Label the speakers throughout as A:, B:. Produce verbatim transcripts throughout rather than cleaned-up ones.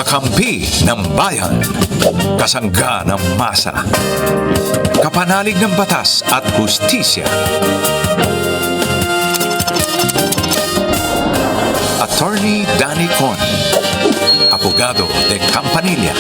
A: Kakampi ng bayan. Kasangga ng masa. Kapanalig ng batas at hustisya. Attorney Danny Con. Abogado de Campanilla.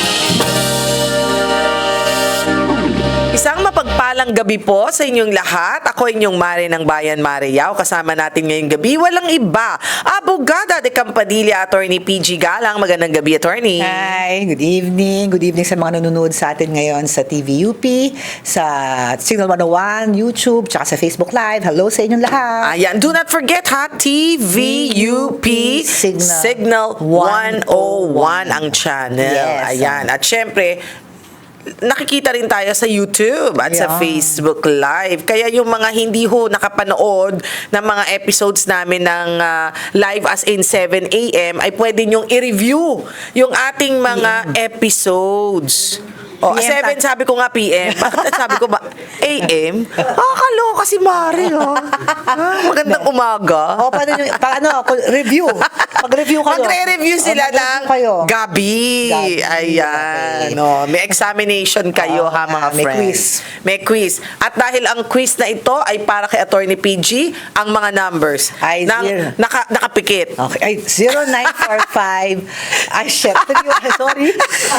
B: Isang mapagpalang gabi po sa inyong lahat. Ako inyong Mare ng Bayan, Mare Yao. Kasama natin ngayong gabi, walang iba. Abogada de Campanilla, Attorney P G Galang. Magandang gabi, Attorney.
C: Hi, good evening. Good evening sa mga nanonood sa atin ngayon sa T V U P, sa Signal one oh one, YouTube, tsaka sa Facebook Live. Hello sa inyong lahat.
B: Ayan, do not forget ha, T V U P
C: Signal
B: Signal one oh one ang channel.
C: Yes.
B: Ayan, at syempre, nakikita rin tayo sa YouTube at sa
C: Yeah.
B: Facebook Live. Kaya yung mga hindi ho nakapanood ng mga episodes namin ng uh, live as in seven a m ay pwede nyong i-review yung ating mga episodes. Oh,
C: P M
B: seven
C: ta-
B: sabi ko nga P M. Bakit sabi ko ba A M? Ah, kaloka si Mari, oh. Ah, magandang umaga.
C: O, paano yung, pa, ano, review. Mag-review kayo.
B: Magre-review
C: O,
B: sila
C: mag-review
B: ng
C: kayo.
B: gabi.
C: Gabi,
B: Ayan.
C: okay.
B: No, may examination kayo
C: Oo
B: ha mga
C: nga, may
B: friends.
C: quiz.
B: May quiz. At dahil ang quiz na ito ay para kay Attorney P G, ang mga numbers
C: Ay,
B: nang
C: zero.
B: naka, nakapikit.
C: Okay. Ay, zero nine four five. Ay, shit. Sorry.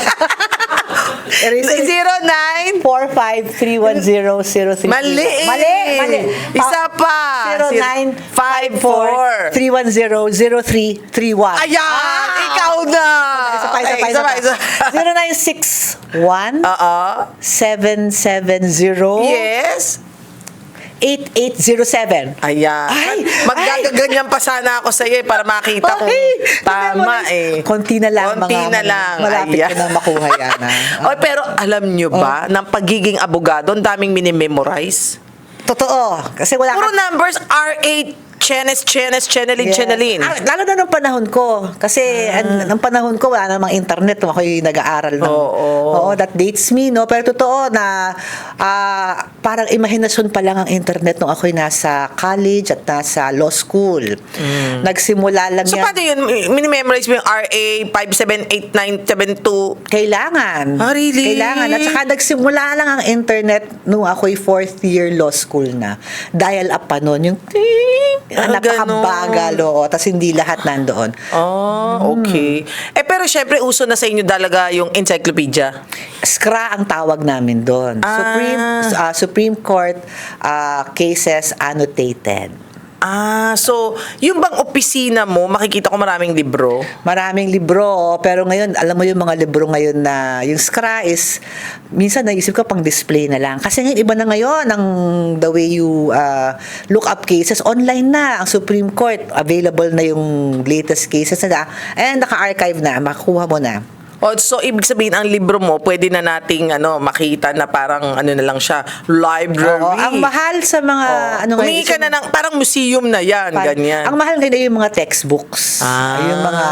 C: Eraser.
B: zero nine
C: four five three one zero zero three.
B: Mali.
C: Mali. Mali.
B: Isa pa.
C: zero nine five four three one zero zero three three one.
B: Ayan! Ikaw na!
C: Isa pa, isa
B: Ay,
C: pa, isa pa.
B: isa.
C: zero nine six one
B: Oo.
C: seven seven zero
B: Yes.
C: eight eight zero seven.
B: Ayan.
C: Ay,
B: Magagaganyan pa sana ako sa iyo eh, para makita kung
C: Ay,
B: tama eh.
C: Konti na lang.
B: Konti
C: mga,
B: na lang.
C: Malapit
B: Ayan.
C: ko na makuha yan. ah.
B: Oy, pero alam nyo ba, ng pagiging abogado, ang daming minimemorize?
C: Totoo. Kasi wala
B: Puro
C: ka-
B: numbers, R eight, Chenes, Chenes, Chenelin,
C: Yes.
B: Chenelin.
C: Ah, lalo na nung panahon ko. Kasi
B: Ah.
C: an, nung panahon ko, wala namang internet. Nung ako'y nag-aaral. Ng,
B: Oo.
C: Oo, that dates me, no? Pero totoo na ah, parang imahinasyon pa lang ang internet nung ako'y nasa college at nasa law school. Nagsimula lang
B: So,
C: yan.
B: paano yun? Minimemorize mo yung R A five seven eight nine seven two?
C: Kailangan.
B: Ah, really?
C: Kailangan. At saka nagsimula lang ang internet nung ako'y fourth year law school na. Dial up pa nun. Yung ting,
B: Ah,
C: napakabagal. Oo. Tapos hindi lahat nandoon.
B: Oh, okay. Eh, pero syempre, uso na sa inyo talaga yung encyclopedia.
C: Skra ang tawag namin doon.
B: Ah.
C: Supreme ah, Supreme Court ah, cases annotated.
B: Ah, so, yung bang opisina mo, makikita ko maraming libro?
C: Maraming libro, pero ngayon, alam mo yung mga libro ngayon na, yung Skra is, minsan naisip ko pang display na lang. Kasi ngayon, iba na ngayon ang the way you uh, look up cases. Online na, ang Supreme Court, available na yung latest cases na, and naka-archive na, makuha mo na.
B: Oh, so ibig sabihin ang libro mo pwede na nating ano makita na parang ano na lang siya library.
C: Oo, ang mahal sa mga,
B: Oh.
C: ano
B: Humingi ka na ng parang museum na yan,
C: Par-
B: ganyan.
C: Ang mahal ngayon ay yung mga textbooks.
B: Ah.
C: Yung mga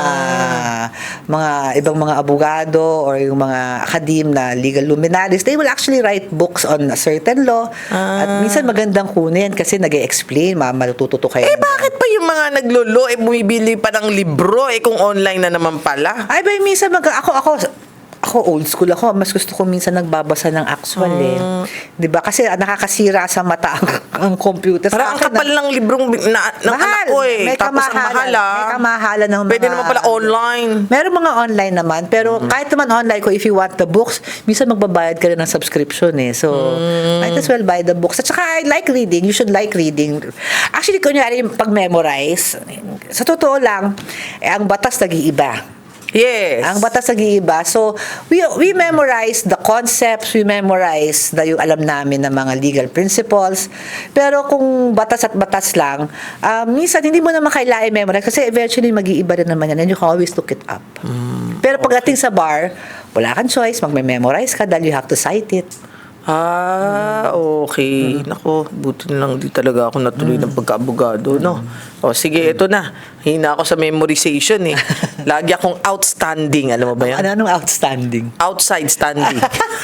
C: mga ibang mga abogado or yung mga akadim na legal luminaries, they will actually write books on a certain law.
B: Ah.
C: At minsan magandang kunin kasi nag-e-explain, ma matututo kayo.
B: Eh bakit pa yung mga naglolo eh bumibili pa ng libro eh kung online na naman pala?
C: Ay, ba, minsan mag ako ako ako old school ako, mas gusto ko minsan nagbabasa ng actual eh. 'Di ba? Kasi ah, nakakasira sa mata ang, ang computer. Sa
B: Parang ang
C: akin,
B: kapal ng librong na, ng
C: Mahal.
B: anak ko eh.
C: May
B: Tapos ang
C: kamahalan.
B: mahal ah.
C: May kamahalan ng
B: Pwede
C: mga-
B: naman pala online.
C: Meron mga online naman, pero
B: Mm-hmm.
C: kahit naman online ko, if you want the books, minsan magbabayad ka rin ng subscription eh. So,
B: Mm.
C: might as well buy the books. At saka, I like reading. You should like reading. Actually, kunyari, yung pag-memorize, sa totoo lang, eh, ang batas nag-iiba.
B: Yes.
C: Ang batas nag-iiba. So, we we memorize the concepts, we memorize the yung alam namin ng mga legal principles. Pero kung batas at batas lang, um, minsan hindi mo naman kailangan memorize kasi eventually mag-iiba rin naman yan and you can always look it up. Pero pagdating sa bar, wala kang choice, magme-memorize ka dahil you have to cite it.
B: Ah, okay. Nako, buti na lang di talaga ako natuloy ng pagkaabogado, no? O, sige, ito na. Hina ako sa memorization, eh. Lagi akong outstanding. Alam mo ba yan?
C: Ano anong outstanding?
B: Outside standing.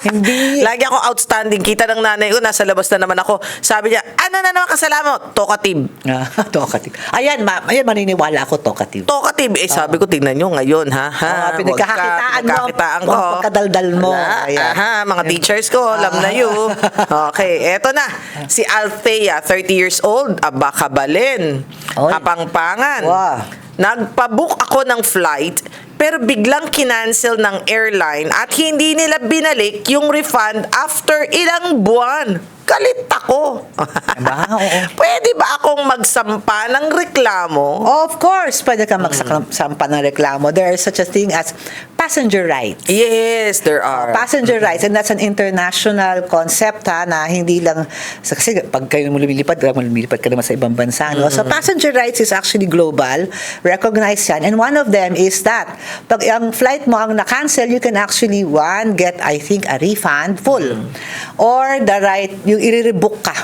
C: Hindi.
B: Lagi ako outstanding. Kita ng nanay ko, nasa labas na naman ako. Sabi niya, ano na naman kasalanan mo? Talkative.
C: Ah, talkative. Ayan, ma ayan, maniniwala ako talkative.
B: Talkative. Eh, sabi ko, tingnan nyo ngayon, ha? ha?
C: Ah,
B: Huwag
C: pinagkakakitaan
B: ka-
C: mo.
B: pinagkakitaan ko.
C: Ang pagkadaldal mo.
B: Wala.
C: Ayan.
B: Aha, mga teachers ko, alam na you. Okay, eto na. Si Althea, thirty years old, aba kabalin.
C: Oy.
B: Kapangpangan.
C: Wow.
B: Nagpabook ako ng flight, pero biglang kinancel ng airline at hindi nila binalik yung refund after ilang buwan. Galit ako.
C: Diba? Oo.
B: Pwede ba akong magsampa ng reklamo?
C: Of course, pwede ka magsampa ng reklamo. There is such a thing as passenger rights.
B: Yes, there are.
C: Passenger rights, and that's an international concept ha, na hindi lang, kasi pag kayo lumilipad, lumilipad ka naman sa ibang bansa. No? So passenger rights is actually global, recognized yan, and one of them is that, pag ang flight mo ang na-cancel, you can actually, one, get, I think, a refund full. Or the right, yung i-rebook ka.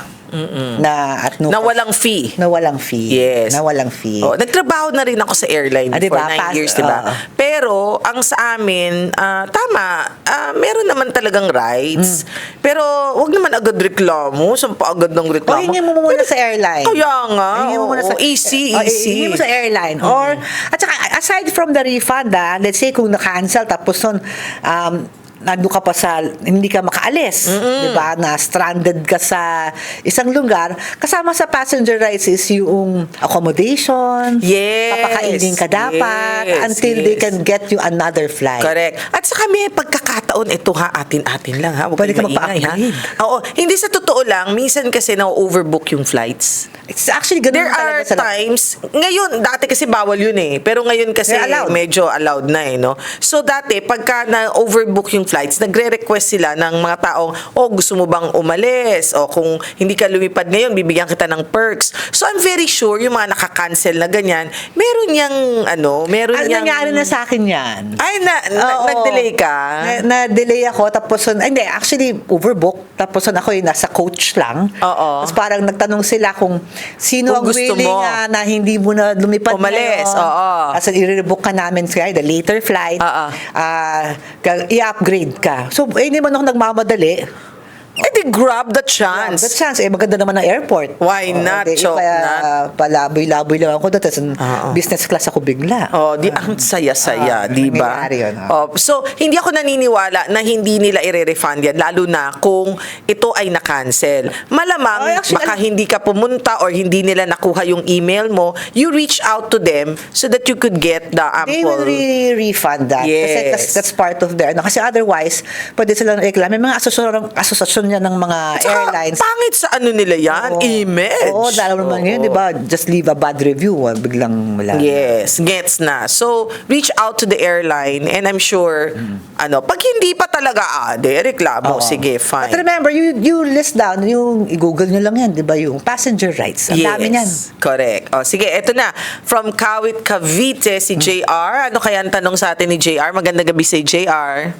C: Na at no
B: Na
C: cost.
B: walang fee.
C: Na walang fee.
B: Yes.
C: Na walang fee.
B: Oh, nagtrabaho na rin ako sa airline
C: Ah,
B: for
C: diba?
B: nine
C: Pas-
B: years, di ba?
C: oo.
B: Pero, ang sa amin, ah, tama, ah, meron naman talagang rights. Pero, wag naman agad reklamo. Saan pa agad ng
C: O
B: reklamo?
C: hingin mo muna sa airline.
B: Kaya nga.
C: Hingin mo muna sa
B: oo, easy,
C: Oh,
B: easy.
C: hingin mo sa airline. Or, at saka, aside from the refund, ah, let's say kung na-cancel, tapos nun, um, nandun ka pa sa, hindi ka makaalis, di ba, na stranded ka sa isang lugar, kasama sa passenger rights is yung accommodation,
B: Yes.
C: papakainin ka dapat,
B: Yes,
C: until they
B: yes.
C: can get you another flight.
B: Correct. At saka may pagkakataon, ito ha, atin-atin lang ha. Huwag
C: Pwede
B: kayong
C: ka
B: maingay, ha?
C: magpa-upgrade.
B: Oo. Hindi sa totoo lang, minsan kasi na-overbook yung flights.
C: It's actually ganun
B: There are
C: talaga sa
B: times, ngayon, dati kasi bawal yun eh. Pero ngayon kasi
C: They're allowed.
B: medyo allowed na eh, no? So dati, pagka na-overbook yung flights, nagre-request sila ng mga taong, oh, gusto mo bang umalis? O kung hindi ka lumipad ngayon, bibigyan kita ng perks. So I'm very sure yung mga nakakancel na ganyan, meron yang, ano, meron
C: Ang
B: yang...
C: nangyari na sa akin yan.
B: Ay, na, na,
C: Oo.
B: nag-delay ka?
C: Na, na-delay ako, tapos, ay, hindi, actually, overbook. Tapos, ako yung nasa coach lang.
B: Oo.
C: Tapos, parang nagtanong sila kung sino
B: Kung
C: ang
B: gusto
C: willing
B: mo.
C: ah, na hindi mo na lumipad
B: Umalis,
C: ngayon.
B: oo.
C: Tapos, i-rebook ka namin kaya the later flight.
B: Oo.
C: ah, ka- i-upgrade ka. So, eh, hindi man ako nagmamadali.
B: Eh, di grab the chance.
C: The chance, eh, maganda naman ang airport.
B: Why
C: Oo,
B: not,
C: di,
B: Chok,
C: kaya,
B: not?
C: palaboy-laboy lang ako doon. Tapos,
B: Oo.
C: business class ako bigla.
B: Oh, di ang saya-saya,
C: Ah,
B: di ba?
C: nangyayari yun, ah.
B: Oh, so hindi ako naniniwala na hindi nila i-refund yan lalo na kung ito ay na-cancel. Malamang
C: Ay, actually,
B: baka
C: alam-
B: hindi ka pumunta or hindi nila nakuha yung email mo, you reach out to them so that you could get the
C: They will
B: ample.
C: really refund that. Kasi
B: Yes.
C: that's, that's part of their, ano, kasi otherwise, pwede silang reklamo. May mga asosasyon, asosasyon yan ng mga
B: Tsaka,
C: airlines.
B: pangit sa ano nila yan,
C: Oo.
B: image.
C: Oo, dahil naman
B: Oo.
C: ngayon, di ba? Just leave a bad review. ah, Biglang wala.
B: Yes, gets na. So, reach out to the airline and I'm sure, ano, pag hindi pa talaga, ah, de, reklamo,
C: Oo.
B: sige, fine.
C: But remember, you you list down, yung i-google nyo lang yan, di ba? Yung passenger rights. Ang dami niyan.
B: Correct. O, sige, eto na. From Kawit, Cavite, si J R. Ano kaya ang tanong sa atin ni J R? Magandang gabi si J R.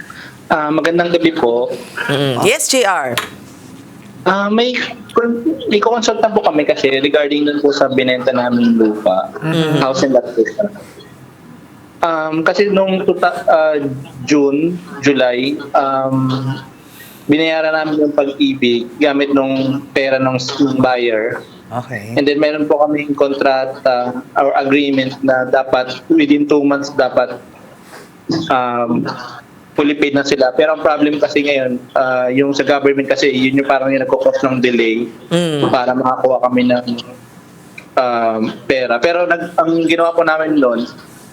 D: Ah, magandang gabi po.
B: Mm. Yes, J R.
D: Ah, may may consult na po kami kasi regarding dun po sa binenta namin lupa, house and lot po siya. Um, kasi nung tuta, ah, June, July, um, binayaran namin yung pag-ibig gamit nung pera ng buyer.
C: Okay.
D: And then meron po kaming kontrata or agreement na dapat within two months dapat um, fully paid na sila. Pero ang problem kasi ngayon, ah, yung sa government kasi, yun yung parang yung nagkukos ng delay
B: Mm.
D: para makakuha kami ng um, pera. Pero nag, ang ginawa po namin noon,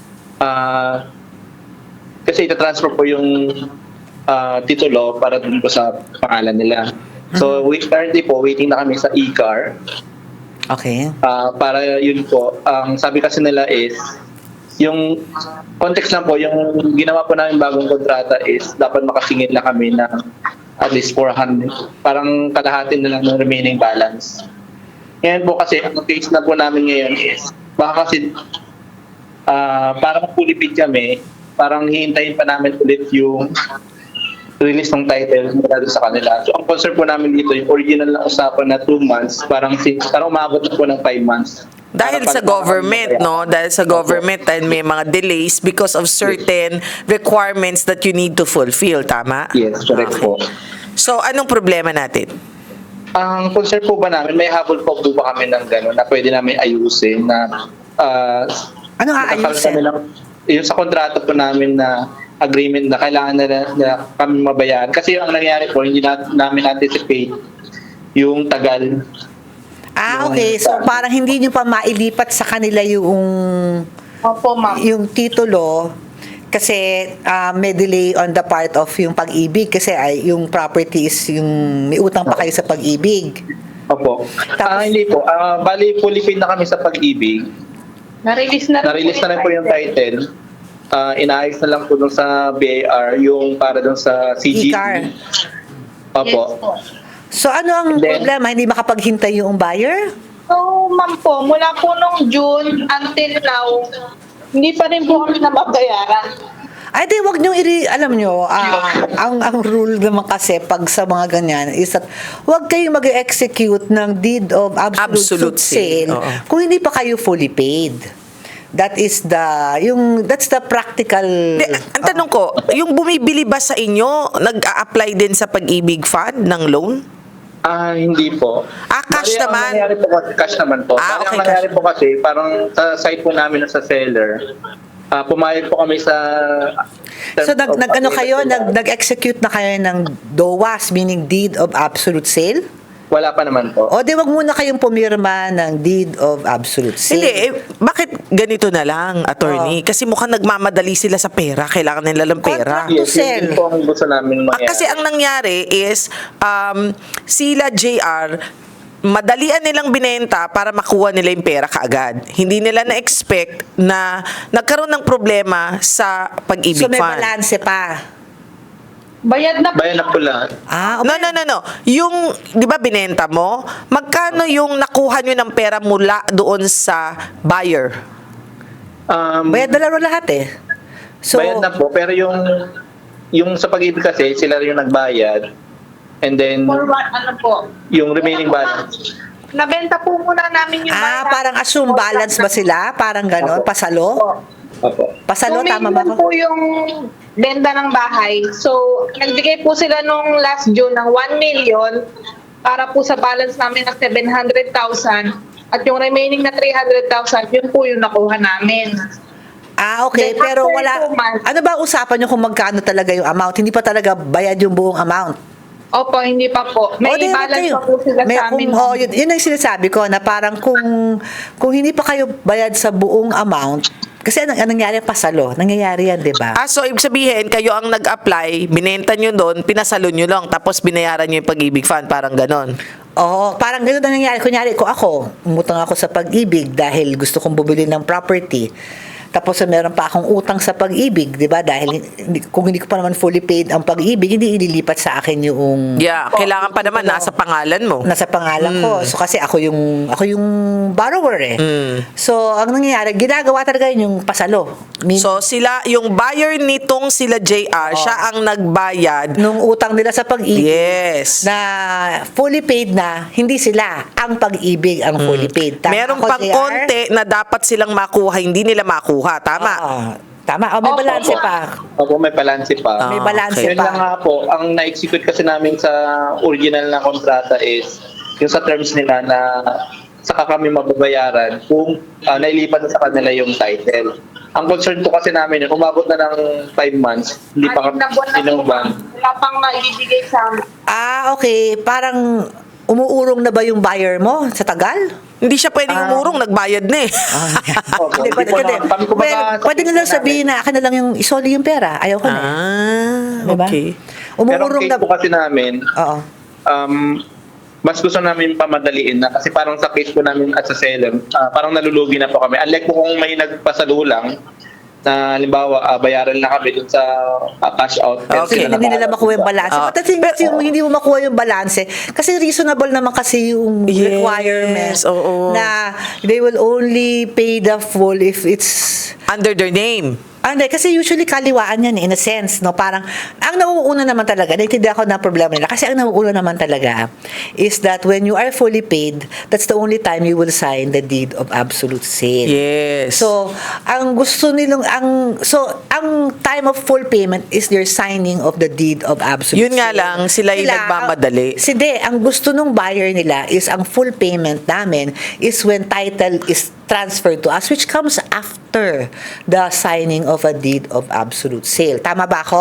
D: ah, kasi itatransfer po yung ah, titulo para dun po sa pangalan nila. So, we currently po, waiting na kami sa e-car.
C: Okay.
D: Ah, para yun po, ang sabi kasi nila is, yung context lang po, yung ginawa po namin bagong kontrata is dapat makasingit na kami ng at least four hundred, parang kalahati na lang ng remaining balance. Ngayon po kasi, ang case na po namin ngayon is, baka kasi ah, parang fully paid kami, parang hihintayin pa namin ulit yung release ng title mula doon sa kanila. So, ang concern po namin dito, yung original na usapan na two months, parang, si, parang umabot na po ng five months.
B: Dahil
D: Para
B: sa
D: pag-
B: government, no? Dahil sa government, dahil may mga delays because of certain requirements that you need to fulfill, tama?
D: Yes, correct po.
B: So, anong problema natin?
D: Ang concern po ba namin, may habol po po ba kami ng gano'n na pwede namin ayusin na uh,
C: Ano aayusin?
D: Kami ng, yung sa kontrata po namin na agreement na kailangan na, na kami mabayaran. Kasi ang nangyari po, hindi na, namin anticipate yung tagal.
C: Ah, okay. So parang hindi nyo pa mailipat sa kanila yung
E: Opo, ma'am.
C: yung titulo kasi ah, may delay on the part of yung pag-ibig kasi ay yung property is yung may utang pa kayo sa pag-ibig.
D: Opo.
C: Tapos-
D: Ah, hindi po. Ah, bali, fully paid na kami sa pag-ibig.
E: Na-release na rin
D: Na-release na rin po yung title. Ah, inaayos na lang po dun sa B A R yung para dun sa C G.
C: E-car.
D: Opo.
E: Yes po.
C: So ano ang
D: And then-
C: problema? Hindi makapaghintay yung buyer?
E: So, ma'am po, mula po nung June until now, hindi pa rin po kami nababayaran.
C: Ay, di, wag nyo iri, alam nyo, ah, ang, ang rule naman kasi pag sa mga ganyan is that wag kayong mag-execute ng deed of absolute,
B: Absolute
C: sale
B: sale, oo.
C: kung hindi pa kayo fully paid. That is the, yung, that's the practical.
B: Di, ang tanong ko, yung bumibili ba sa inyo, nag-a-apply din sa pag-ibig fund ng loan?
D: Ah, hindi po.
B: Ah, cash
D: Bali,
B: naman.
D: Ang nangyari po kasi, cash naman po.
B: Ah,
D: Bali,
B: okay,
D: ang nangyari
B: cash.
D: po kasi, parang sa site po namin na sa seller, ah, pumayag po kami sa...
C: So nag,
D: terms of
C: nag ano kayo,
D: agreement
C: nag,
D: nila.
C: nag-execute na kayo ng D O A S, meaning deed of absolute sale?
D: Wala pa naman po.
C: O di wag muna kayong pumirma ng deed of absolute sale.
B: Hindi, eh, bakit ganito na lang, attorney? Kasi mukhang nagmamadali sila sa pera. Kailangan nila ng pera.
C: Contract. to
D: Yes,
C: sell.
D: yun po ang gusto namin
B: Ah,
D: mangyari.
B: kasi ang nangyari is, um, sila J R, madalian nilang binenta para makuha nila yung pera kaagad. Hindi nila na-expect na nagkaroon ng problema sa pag-ibig
C: So may
B: fund.
C: balanse pa.
E: Bayad na po.
D: Bayan na po lahat.
C: Ah,
B: No, no, no, no. Yung, di ba binenta mo? Magkano yung nakuha nyo ng pera mula doon sa buyer?
D: Um,
C: bayad na laro lahat eh. So,
D: bayad na po, pero yung yung sa pag-ibig kasi, sila rin yung nagbayad. And then,
E: For what, ano po?
D: yung remaining balance.
E: Nabenta po muna namin yung
C: ah,
E: bahay.
C: parang assume balance ba sila? Parang ganon?
D: Opo.
C: Pasalo?
D: Opo.
C: Pasalo,
E: two
C: tama ba
E: million
C: ko?
E: po yung benta ng bahay. So, nagbigay po sila nung last June ng one million para po sa balance namin ng seven hundred thousand. At yung remaining na three hundred thousand, yun po yung nakuha namin.
C: Ah, okay.
E: Then
C: Pero
E: after
C: wala,
E: two months-
C: ano ba usapan nyo kung magkano talaga yung amount? Hindi pa talaga bayad yung buong amount.
E: Opo, hindi pa po. May
C: O, di,
E: balance
C: kayo.
E: pa po sila
C: May-
E: sa amin.
C: kung- oh, yun, yun ang sinasabi ko na parang kung kung hindi pa kayo bayad sa buong amount, kasi anong, anong nangyari pasalo? Nangyayari yan, di ba?
B: Ah, so ibig sabihin, kayo ang nag-apply, binenta nyo doon, pinasalo nyo lang, tapos binayaran nyo yung pag-ibig fund, parang ganon.
C: Oo, parang gano'n ang nangyari. Kunyari ko ako, umutang ako sa pag-ibig dahil gusto kong bumili ng property. Tapos meron pa akong utang sa pag-ibig, di ba? Dahil hindi, kung hindi ko pa naman fully paid ang pag-ibig, hindi ililipat sa akin yung
B: Yeah, kailangan pa naman nasa pangalan mo.
C: nasa pangalan ko. So kasi ako yung ako yung borrower eh.
B: Mm.
C: So ang nangyayari, ginagawa talaga yun yung pasalo. Min-
B: So sila, yung buyer nitong sila J R, siya ang nagbayad.
C: nung utang nila sa pag-ibig
B: Yes.
C: na fully paid na, hindi sila ang pag-ibig ang fully paid. Tama
B: Meron
C: ako,
B: pang
C: J R?
B: konti na dapat silang makuha, hindi nila makuha. Tama?
C: Oo. Tama. Oh, may
E: Opo,
C: balanse
E: opo.
C: pa.
D: Opo, may balance pa.
C: May
B: Ah,
C: balanse
B: okay.
D: Yun lang
C: pa.
D: nga po, ang na-execute kasi namin sa original na kontrata is yung sa terms nila na saka kami mababayaran kung uh, nailipat na sa kanila yung title. Ang concern po kasi namin, yun, umabot na ng five months, hindi pa kami
E: Anim na buwan na po,
D: inuban.
E: ma'am. Wala pang maibibigay sa amin.
C: Ah, okay. Parang umuurong na ba yung buyer mo sa tagal?
B: Hindi siya pwedeng
D: Ah.
B: umurong, nagbayad na eh.
D: Opo,
C: Hindi,
D: hindi
C: pwede,
D: po
C: pwede,
D: na- kami kumbaga
C: well,
D: sa
C: pwede na lang
D: case
C: sabihin na akin na lang yung isoli yung pera. Ayaw ko na. eh.
B: Ah,
C: Diba?
B: okay.
D: Pero ang
C: Umuurong
D: case
C: na...
D: po kasi namin,
C: Oo.
D: um, mas gusto namin pamadaliin na kasi parang sa case po namin at sa seller, ah, parang nalulugi na po kami. Unlike po kung may nagpasalo lang, na halimbawa ah, bayaran na kami dun sa ah, cash out.
B: Okay.
C: Kasi hindi nila makuha yung balance.
B: Ah,
C: But the thing is, yung hindi mo makuha yung balance, kasi reasonable naman kasi yung
B: Yes,
C: requirement
B: oo.
C: na they will only pay the full if it's
B: Under their name.
C: Ah, hindi, kasi usually kaliwaan yan eh, in a sense, no? Parang, ang nauuna naman talaga, naintindihan ko na problema nila, kasi ang nauuna naman talaga is that when you are fully paid, that's the only time you will sign the deed of absolute sale.
B: Yes.
C: So, ang gusto nilang, ang, so, ang time of full payment is their signing of the deed of absolute
B: Yun nga
C: sale.
B: lang, sila yung nagmamadali.
C: Si de, ang gusto nung buyer nila is ang full payment namin is when title is transferred to us, which comes after the signing of a deed of absolute sale. Tama ba ako?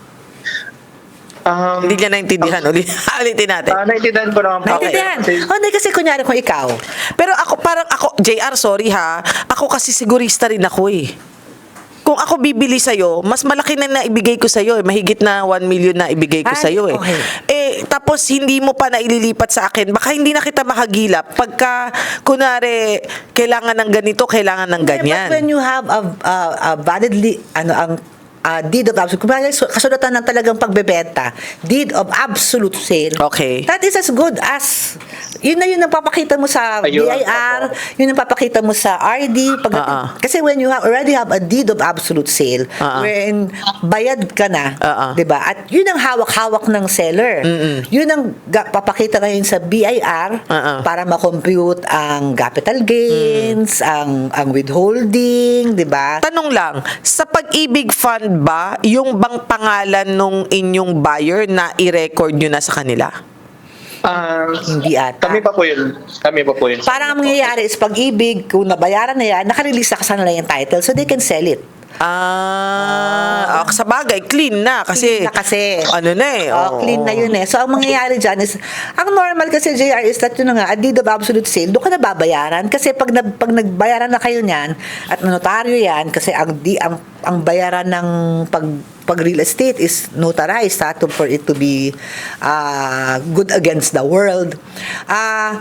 D: Um,
B: Hindi niya naintindihan. Uli, ulitin natin.
D: Ah, naintindihan ko naman po.
C: Naintindihan?
D: Kasi-
C: Oh, hindi, kasi kunyari kung ikaw,
B: Pero ako, parang ako, J R, sorry ha, ako kasi sigurista rin ako eh. Kung ako bibili sa'yo, mas malaki na naibigay ko sa'yo eh. Mahigit na one million na ibigay ko
C: Ay,
B: sa'yo eh.
C: okay.
B: Eh, tapos hindi mo pa naililipat sa akin. Baka hindi na kita makagilap. Pagka, kunwari, kailangan ng ganito, kailangan ng ganyan.
C: but when you have a, a, a validly, ano, ang uh, deed of absolute, kumbaga, so- kasulatan ng talagang pagbebenta, deed of absolute sale,
B: Okay.
C: that is as good as, yun na yun ang papakita mo sa
D: Ayun,
C: B I R, yun ang papakita mo sa R D, pag,
B: Ah, ah.
C: kasi when you have, already have a deed of absolute sale,
B: Ah, ah.
C: wherein bayad ka na,
B: Ah, ah.
C: 'di ba? At yun ang hawak-hawak ng seller. Yun ang ga- papakita ngayon sa B I R
B: Ah, ah.
C: para ma-compute ang capital gains, ang ang withholding, 'di ba?
B: Tanong lang, sa Pag-ibig Fund ba, yung bang pangalan nung inyong buyer na i-record nyo na sa kanila?
D: Ah,
C: Hindi ata.
D: kami pa po yun. Kami pa po yun.
C: Parang ang mangyayari is Pag-ibig, kung nabayaran na yan, nakarelease na sa kanila yung title so they can sell it.
B: Ah, ah, sa bagay, clean na kasi.
C: Clean na kasi.
B: Ano na eh.
C: Oh, clean na yun eh. So, ang mangyayari dyan is, ang normal kasi, J R, is that yun na nga, a deed of absolute sale, doon ka na babayaran. Kasi pag, na, pag nagbayaran na kayo niyan, at notaryo yan, kasi ang, di, ang, ang bayaran ng pag, pag real estate is notarized ha, to, for it to be uh, good against the world. Ah,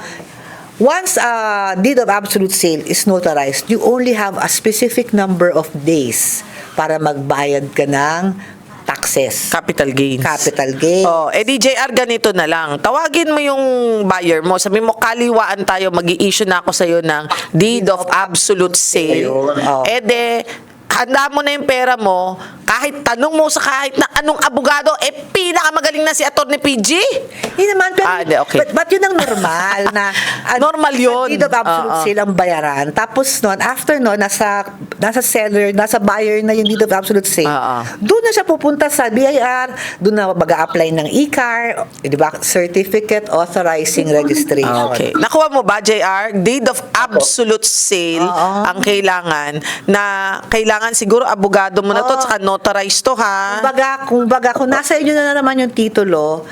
C: Once a deed of absolute sale is notarized, you only have a specific number of days para magbayad ka ng taxes.
B: Capital gains.
C: Capital gains.
B: Oh, eh D J R, ganito na lang. Tawagin mo yung buyer mo. Sabi mo, kaliwaan tayo, mag-i-issue na ako sa'yo ng deed of absolute sale.
D: Ayun.
C: Oh.
B: Eh de, handa mo na yung pera mo, kahit tanong mo sa kahit na anong abogado, eh pinakamagaling na si Atty. P G.
C: Hindi naman, pero,
B: Ah, di, okay.
C: but, but yun ang normal na an-
B: Normal yun.
C: Deed of absolute
B: Oo.
C: sale ang bayaran. Tapos nun, after nun, nasa, nasa seller, nasa buyer na yung deed of absolute sale.
B: Oo.
C: Doon na siya pupunta sa B I R, doon na mag-a-apply ng E C A R, di ba? Certificate Authorizing Registration.
B: Okay. Nakuha mo ba, J R? Deed of absolute sale
C: Oo.
B: ang kailangan na kailangan siguro abogado mo na to,
C: Oo.
B: tsaka notarized to, ha?
C: Kumbaga, kumbaga, kung nasa inyo na naman yung titulo,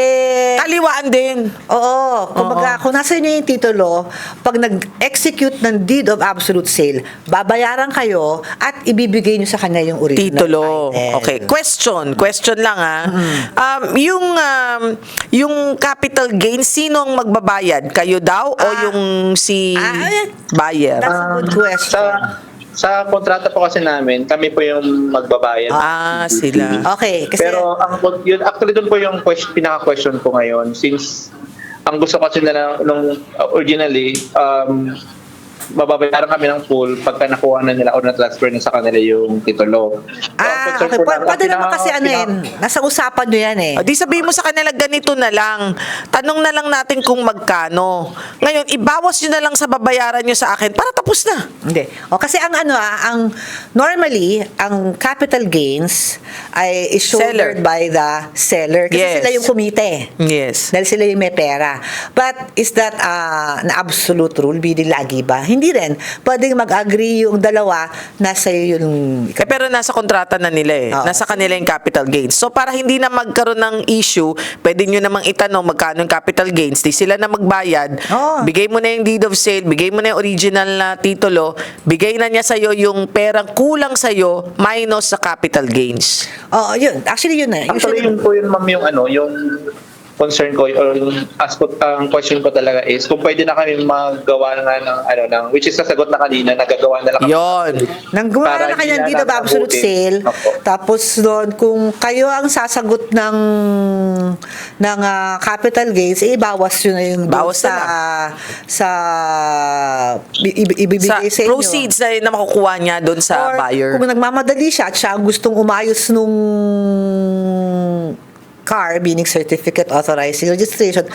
C: eh,
B: Kaliwaan din.
C: oo, kumbaga, kung nasa inyo yung titulo, pag nag-execute ng deed of absolute sale, babayaran kayo at ibibigay nyo sa kanya yung original
B: Titulo.
C: title.
B: Okay. Question. Question lang, ha? Um, yung, um, yung capital gain, sino ang magbabayad? Kayo daw o
C: Ah.
B: yung si
C: Ah, eh.
B: buyer?
C: That's a good question.
D: Sa, sa kontrata po kasi namin, kami po yung magbabayad.
B: Ah, sila.
C: Okay, kasi
D: Pero ang yun, actually doon po yung question, pinaka-question ko ngayon since ang gusto kasi nila nung uh, originally um mababayaran kami ng full pagka nakuha na nila o na-transfer na sa kanila yung titulo. So, ang
C: ah,
D: concern
C: okay.
D: po
C: Pwede,
D: namin-
C: pwede
D: ang
C: naman
D: pinaka-
C: kasi ano yan,
D: pinaka-
C: nasa usapan nyo yan eh.
B: O, di sabihin mo sa kanila, ganito na lang. Tanong na lang natin kung magkano. Ngayon, ibawas nyo na lang sa babayaran nyo sa akin para tapos na.
C: Hindi. O kasi ang ano ah, ang normally ang capital gains ay is
B: Seller.
C: shouldered by the seller kasi
B: Yes.
C: sila yung kumite.
B: Yes.
C: Dahil sila yung may pera. But is that uh, na absolute rule? Bili lagi ba? Hindi rin. Pwedeng mag-agree yung dalawa nasa yung
B: Eh, pero nasa kontrata na nila eh.
C: Oo.
B: Nasa kanila yung capital gains. So, para hindi na magkaroon ng issue, pwede nyo namang itanong magkano yung capital gains. Di sila na magbayad.
C: Oo.
B: Bigay mo na yung deed of sale, bigay mo na yung original na titulo, bigay na niya sa'yo yung perang kulang sa'yo minus sa capital gains.
C: Oo, yun. Actually, yun na.
D: Actually,
C: Usually,
D: yun po yun, ma'am, yung ano, yung concern ko or yung ask ko, ang question ko talaga is kung pwede na kami magawa nga ng ano ng which is nasagot na kanina, nagagawa na lang kami.
B: Yon.
C: Nang gumawa
D: Para
C: na
D: hindi
C: kanyang
D: na
C: dito ba absolute
D: nabutin.
C: sale.
D: Opo.
C: Tapos doon, kung kayo ang sasagot ng ng ah, capital gains, eh, bawas yun na yung doon
B: Bawas
C: sa,
B: na
C: sa i- i-
B: Sa
C: ibibigay sa inyo.
B: proceeds na, na makukuha niya doon sa
C: Or
B: buyer.
C: kung nagmamadali siya at siya ang gustong umayos nung car, meaning certificate authorizing registration,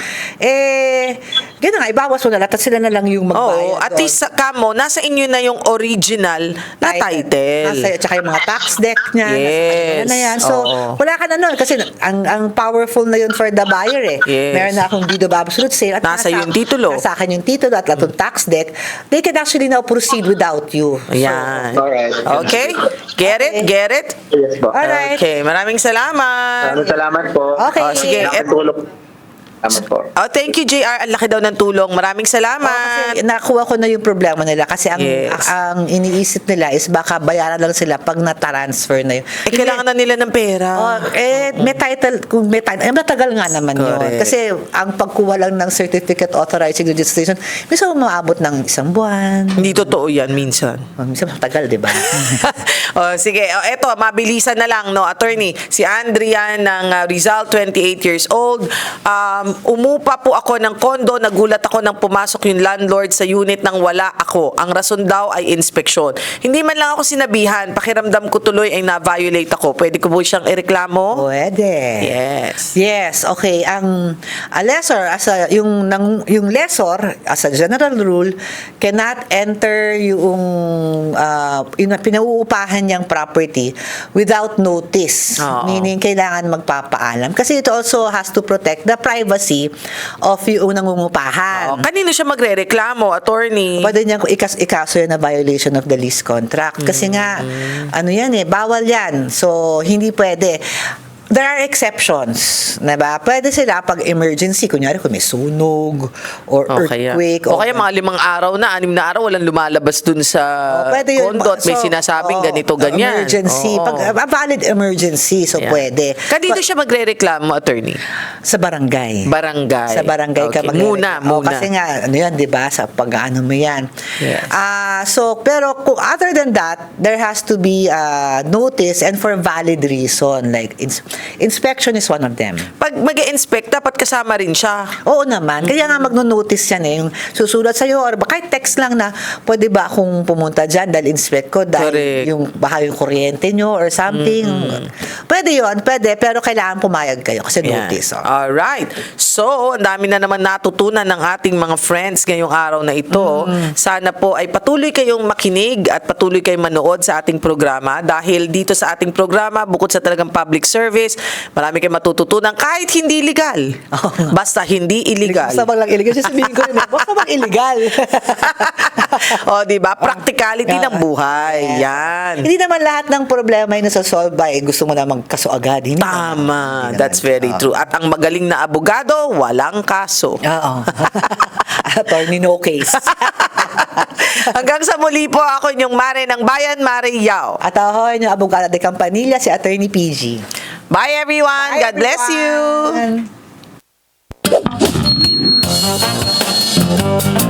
C: eh, gano'n nga, ibawas mo na lahat at sila na lang yung magbayad.
B: Oo, at
C: doon.
B: least sa kamo, nasa inyo na yung original na title.
C: Nasa, tsaka yung mga tax deck niya.
B: Yes.
C: Nasa kanya na yan. So,
B: Oo.
C: wala ka na nun. Kasi ang ang powerful na yun for the buyer eh.
B: Yes.
C: Meron na akong deed of absolute sale. At
B: Nasa yung titulo.
C: Nasa akin yung titulo at atong tax deck. They can actually now proceed without you.
B: Ayan.
D: Alright.
B: Okay? Get it? Get it?
D: Yes po.
C: Alright.
B: Okay, maraming salamat.
D: Maraming salamat po.
C: Okay.
B: Oh, sige.
D: Salamat tulong. Salamat po.
B: Oh, thank you, J R. Ang laki daw ng tulong. Maraming
C: Oh,
B: salamat.
C: kasi nakuha ko na yung problema nila kasi ang
B: Yes.
C: ang, ang iniisip nila is baka bayaran lang sila pag na-transfer na yun.
B: Eh, kailangan na nila ng pera.
C: Oh, eh, may title, kung may title, eh, matagal nga naman yun.
B: Correct.
C: Kasi ang pagkuha lang ng certificate authorizing registration, minsan umaabot ng isang buwan.
B: Hindi totoo yan minsan.
C: Oh, minsan matagal, di ba?
B: oh, sige. Oh, eto, mabilisan na lang, no, attorney. Si Andrea ng uh, Rizal, twenty-eight years old. Um, umupa po ako ng kondo. Nagulat ako nang pumasok yung landlord sa unit nang wala ako. Ang rason daw ay inspeksyon. Hindi man lang ako sinabihan. Pakiramdam ko tuloy ay na-violate ako. Pwede ko po siyang ireklamo?
C: Pwede.
B: Yes.
C: Yes, okay. Ang a lessor as a yung nang yung lessor as a general rule cannot enter yung uh, yung pinauupahan niyang property without notice.
B: Oo.
C: Meaning kailangan magpapaalam kasi it also has to protect the privacy of yung nangungupahan.
B: Oh, kanino siya magrereklamo, attorney?
C: Pwede niya kung ikas ikaso yan na violation of the lease contract. Kasi nga, ano yan eh, bawal yan. So, hindi pwede. There are exceptions, na ba? Pwede sila pag emergency, kunyari kung may sunog or
B: O kaya,
C: earthquake.
B: o kaya mga limang araw na, anim na araw, walang lumalabas dun sa
C: Oh, pwede yun.
B: condo at may
C: So,
B: sinasabing
C: oh,
B: ganito, ganyan.
C: Emergency.
B: Oo.
C: Pag, a valid emergency, so
B: Ayan.
C: pwede.
B: Kanino
C: But-
B: siya magrereklamo, attorney?
C: Sa barangay.
B: Barangay.
C: Sa barangay ka
B: Okay.
C: magre-
B: Muna,
C: Oh,
B: muna.
C: kasi nga, ano yan, di ba? Sa pag-ano mo yan.
B: Yes.
C: Ah, so, pero kung other than that, there has to be uh, notice and for valid reason. Like, ins- inspection is one of them.
B: Pag mag-inspect, dapat kasama rin siya.
C: Oo naman. Kaya nga magno-notice yan eh. Yung susulat sa'yo or baka text lang na pwede ba akong pumunta dyan dahil inspect ko dahil
B: Correct.
C: yung baka yung kuryente nyo or something. Pwede yon pwede. Pero kailangan pumayag kayo kasi
B: Yan.
C: notice. Oh.
B: Alright. So, ang dami na naman natutunan ng ating mga friends ngayong araw na ito. Sana po ay patuloy kayong makinig at patuloy kayong manood sa ating programa dahil dito sa ating programa, bukod sa talagang public service, marami kayong matututunan kahit hindi legal.
C: Oo nga.
B: Basta hindi illegal.
C: Basta bang lang illegal. Sasabihin ko rin, eh, basta bang illegal.
B: o, di ba? Practicality ng buhay. Yan.
C: Hindi naman lahat ng problema ay nasasolve by gusto mo na magkaso agad. Hindi
B: Tama.
C: naman. Hindi
B: That's
C: naman.
B: very
C: Oo.
B: true. At ang magaling na abogado, walang kaso.
C: Oo. Attorney no case.
B: Hanggang sa muli po, ako inyong Mare ng Bayan, Mare Yao.
C: At ako yung abogado de Campanilla, si Attorney P G.
B: Bye everyone.
C: Bye,
B: God bless you.
C: everyone.